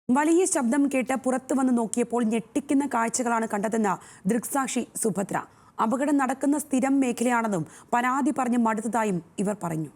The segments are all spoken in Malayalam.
വലിയ ശബ്ദം കേട്ട് പുറത്തു വന്ന് നോക്കിയപ്പോൾ ഞെട്ടിക്കുന്ന കാഴ്ചകളാണ് കണ്ടതെന്ന് ദൃക്സാക്ഷി സുഭദ്ര. അപകടം നടക്കുന്ന സ്ഥിരം മേഖലയാണെന്നും പരാതി പറഞ്ഞ് മടുത്തതായും ഇവർ പറഞ്ഞു.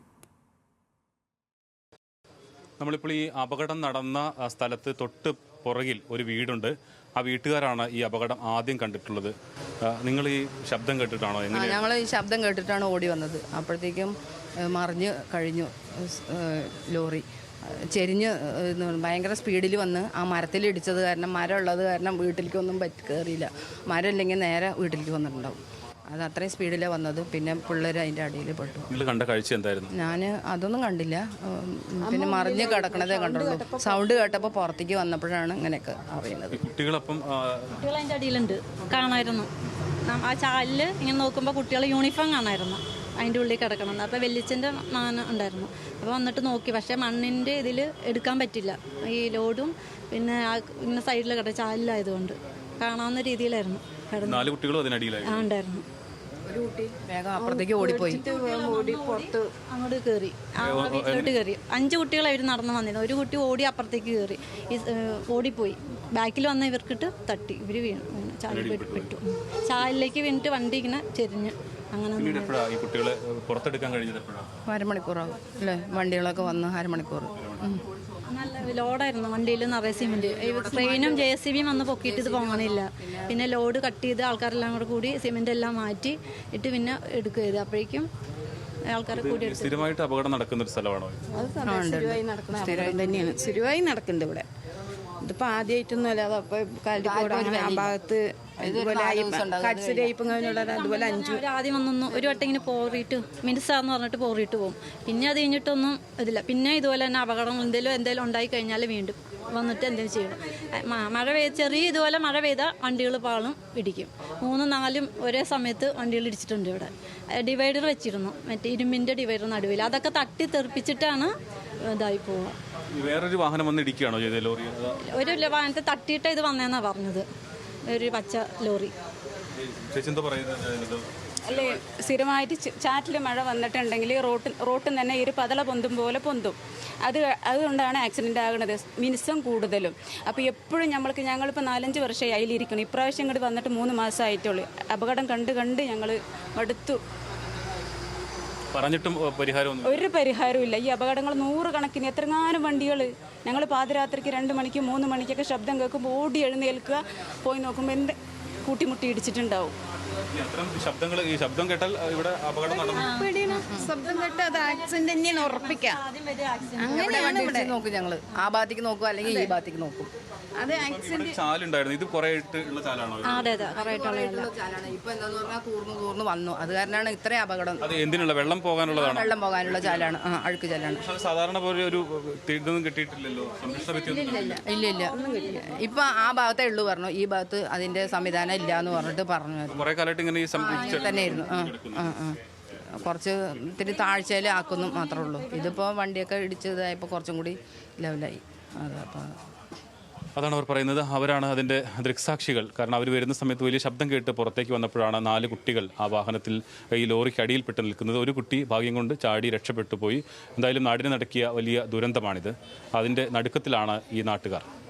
നമ്മളിപ്പോൾ ഈ അപകടം നടന്ന സ്ഥലത്ത് തൊട്ട് പുറകിൽ ഒരു വീടുണ്ട്. ആ വീട്ടുകാരാണ് ഈ അപകടം ആദ്യം കണ്ടിട്ടുള്ളത്. നിങ്ങൾ ഈ ശബ്ദം കേട്ടിട്ടാണോ? ഞങ്ങൾ ഈ ശബ്ദം കേട്ടിട്ടാണ് ഓടി വന്നത്. അപ്പോഴത്തേക്കും മറിഞ്ഞ് കഴിഞ്ഞു. ലോറി ചെരിഞ്ഞ് ഭയങ്കര സ്പീഡിൽ വന്ന് ആ മരത്തിൽ ഇടിച്ചത് കാരണം, മരം ഉള്ളത് കാരണം വീട്ടിലേക്കൊന്നും കയറിയില്ല. മരം ഇല്ലെങ്കിൽ നേരെ വീട്ടിലേക്ക് വന്നിട്ടുണ്ടാവും. അത് അത്രയും സ്പീഡിലാണ് വന്നത്. പിന്നെ പിള്ളേർ അതിൻ്റെ അടിയിൽ പെട്ടു. കണ്ട കാഴ്ച എന്തായിരുന്നു? ഞാൻ അതൊന്നും കണ്ടില്ല. പിന്നെ മറിഞ്ഞ് കിടക്കണതേ കണ്ടുള്ളൂ. സൗണ്ട് കേട്ടപ്പോൾ പുറത്തേക്ക് വന്നപ്പോഴാണ് ഇങ്ങനെയൊക്കെ അറിയുന്നത്. കുട്ടികൾ അതിൻ്റെ അടിയിലുണ്ട്, കാണായിരുന്നു. ആ ചാലിൽ ഇങ്ങനെ നോക്കുമ്പോൾ കുട്ടികളെ യൂണിഫോം കാണായിരുന്നു, അതിൻ്റെ ഉള്ളിൽ കിടക്കണം. അപ്പോൾ വെല്ലിച്ചൻ്റെ മാന ഉണ്ടായിരുന്നു. അപ്പോൾ വന്നിട്ട് നോക്കി, പക്ഷേ മണ്ണിൻ്റെ ഇതിൽ എടുക്കാൻ പറ്റില്ല. ഈ ലോഡും പിന്നെ ഇങ്ങനെ സൈഡിൽ കിടക്കും, ചാലിലായതുകൊണ്ട് കാണാവുന്ന രീതിയിലായിരുന്നു. ഉണ്ടായിരുന്നു. ഒരു കുട്ടി വേഗം അപ്പുറത്തേക്ക് ഓടിപ്പോയി, പുറത്ത് അങ്ങോട്ട് കയറി, വീട്ടിലോട്ട് കയറി. 5 കുട്ടികളായിരുന്നു നടന്നു വന്നിരുന്നത്. ഒരു കുട്ടി ഓടി അപ്പുറത്തേക്ക് കയറി, ഓടിപ്പോയി. ബാക്കിൽ വന്ന ഇവർക്കിട്ട് തട്ടി, ഇവർ വീണു, ചാലിൽ പെട്ടു. ചാലിലേക്ക് വീണിട്ട് വണ്ടി ഇങ്ങനെ ചെരിഞ്ഞ് അങ്ങനെ. അരമണിക്കൂറാകും അല്ലേ? വണ്ടികളൊക്കെ വന്ന് അരമണിക്കൂർ. നല്ല ലോഡായിരുന്നു വണ്ടിയിൽ, നിറയെ സിമെൻറ്റ്. ട്രെയിനും JCBയും വന്ന് പൊക്കിയിട്ട് ഇത് പോകണില്ല. പിന്നെ ലോഡ് കട്ട് ചെയ്ത് ആൾക്കാരെല്ലാം കൂടി സിമെൻ്റ് എല്ലാം മാറ്റി ഇട്ട് പിന്നെ എടുക്കുക ചെയ്ത്. അപ്പോഴേക്കും ആൾക്കാർ കൂടി സ്ഥിരമായിട്ട് അപകടം നടക്കുന്ന ഒരു സ്ഥലമാണോ? തന്നെയാണ്, സ്ഥിരമായി നടക്കുന്നുണ്ട് ഇവിടെ. ഇതിപ്പോൾ ആദ്യമായിട്ടൊന്നും അല്ല. അതപ്പോൾ കാലിക്കോട് അങ്ങനെ ആ ഭാഗത്ത് അതുപോലെ 5 ആദ്യം വന്നൊന്നും ഒരു വട്ടം ഇങ്ങനെ പോറിയിട്ട് മിനിസാന്ന് പറഞ്ഞിട്ട് പോറിയിട്ട് പോകും. പിന്നെ അത് കഴിഞ്ഞിട്ടൊന്നും ഇതില്ല. പിന്നെ ഇതുപോലെ തന്നെ അപകടം എന്തെങ്കിലും ഉണ്ടായി കഴിഞ്ഞാൽ വീണ്ടും വന്നിട്ട് എന്തെങ്കിലും ചെയ്യണം. മഴ ചെറിയ ഇതുപോലെ മഴ പെയ്താൽ വണ്ടികൾ പാളും ഇടിക്കും. 3, 4 ഒരേ സമയത്ത് വണ്ടികൾ ഇടിച്ചിട്ടുണ്ട്. ഇവിടെ ഡിവൈഡർ വെച്ചിരുന്നു, മറ്റേ ഇരുമ്പിൻ്റെ ഡിവൈഡർ നടുവിൽ. അതൊക്കെ തട്ടി തെറിപ്പിച്ചിട്ടാണ് ഇതായി പോവുക. വേറൊരു വാഹനം വന്ന് ഇടിക്കുകയാണോ ചെയ്തത്? ലോറി ഒരു വാഹനത്തെ തട്ടിയിട്ട് ഇത് വന്നതെന്നാണ് പറഞ്ഞത്, ഒരു പച്ച ലോറി. അല്ലേ, സ്ഥിരമായിട്ട് ചാറ്റിൽ മഴ വന്നിട്ടുണ്ടെങ്കിൽ റോട്ടിൽ തന്നെ ഒരു പതള പൊന്തും പോലെ പൊന്തും. അതുകൊണ്ടാണ് ആക്സിഡൻ്റ് ആകുന്നത്, മിനിസം കൂടുതലും. അപ്പോൾ എപ്പോഴും ഞങ്ങളിപ്പോൾ 4-5 വർഷമായി അതിലിരിക്കണം. ഇപ്രാവശ്യം ഇങ്ങോട്ട് വന്നിട്ട് 3 മാസമായിട്ടുള്ളൂ. അപകടം കണ്ട് ഞങ്ങൾ മടുത്തു. പറഞ്ഞിട്ടും ഒരു പരിഹാരവും ഇല്ല. ഈ അപകടങ്ങൾ 100 കണക്കിന്, എത്രങ്ങാനും വണ്ടികൾ. ഞങ്ങൾ പാതിരാത്രിക്ക് 2 മണിക്ക് 3 മണിക്കൊക്കെ ശബ്ദം കേൾക്കുമ്പോൾ ഓടി എഴുന്നേൽക്കുക, പോയി നോക്കുമ്പോൾ എന്ത് കൂട്ടിമുട്ടി ഇടിച്ചിട്ടുണ്ടാവും. ശബ്ദം കേട്ടാൽ ഇവിടെ അപകടം നടന്നു. ശബ്ദം കേട്ട് അത് ആക്സിഡന്റ് തന്നെയാണ് ഉറപ്പിക്കാം. അങ്ങനെയാണ് ഇവിടെ നോക്കും ഞങ്ങൾ. ആ ഭാഗത്തേക്ക് നോക്കും, അല്ലെങ്കിൽ ഈ ഭാഗത്തേക്ക് നോക്കും. അത് ആക്സിഡന്റ് ചാലുണ്ടായിരുന്നു. ഇത് കുറേ ഉള്ള ചാലാണോ? ചാലാണ്. ഇപ്പൊ എന്താന്ന് പറഞ്ഞാൽ തൂർന്ന് വന്നു. അത് കാരണമാണ് ഇത്രയും അപകടം. അത് എന്തിനുള്ള? വെള്ളം പോകാനുള്ളതാണ്. വെള്ളം പോകാനുള്ള ചാലാണ്, അഴുക്ക് ചാലാണ്. സാധാരണ പോലെ ഒരു ഇതൊന്നും കിട്ടിയിട്ടില്ലല്ലോ. ഇല്ല. ഇപ്പൊ ആ ഭാഗത്തേ ഉള്ളൂ പറഞ്ഞു. ഈ ഭാഗത്ത് അതിന്റെ സംവിധാനം ഇല്ല എന്ന് പറഞ്ഞിട്ട് പറഞ്ഞു. കുറെ കാലമായിട്ട് ഇങ്ങനെ തന്നെയായിരുന്നു. കുറച്ച് ഇത്തിരി താഴ്ചയിൽ ആക്കുന്നു മാത്രമേ ഉള്ളൂ. ഇതിപ്പോൾ വണ്ടിയൊക്കെ ഇടിച്ചതായപ്പോൾ കുറച്ചും കൂടി ലെവലായി. അതാണ് അവർ പറയുന്നത്. അവരാണ് അതിൻ്റെ ദൃക്സാക്ഷികൾ. കാരണം അവർ വരുന്ന സമയത്ത് വലിയ ശബ്ദം കേട്ട് പുറത്തേക്ക് വന്നപ്പോഴാണ് 4 കുട്ടികൾ ആ വാഹനത്തിൽ ഈ ലോറിക്ക് അടിയിൽപ്പെട്ട് നിൽക്കുന്നത്. ഒരു കുട്ടി ഭാഗ്യം കൊണ്ട് ചാടി രക്ഷപ്പെട്ടു പോയി. എന്തായാലും നാടിനെ നടക്കിയ വലിയ ദുരന്തമാണിത്. അതിൻ്റെ നടുക്കത്തിലാണ് ഈ നാട്ടുകാർ.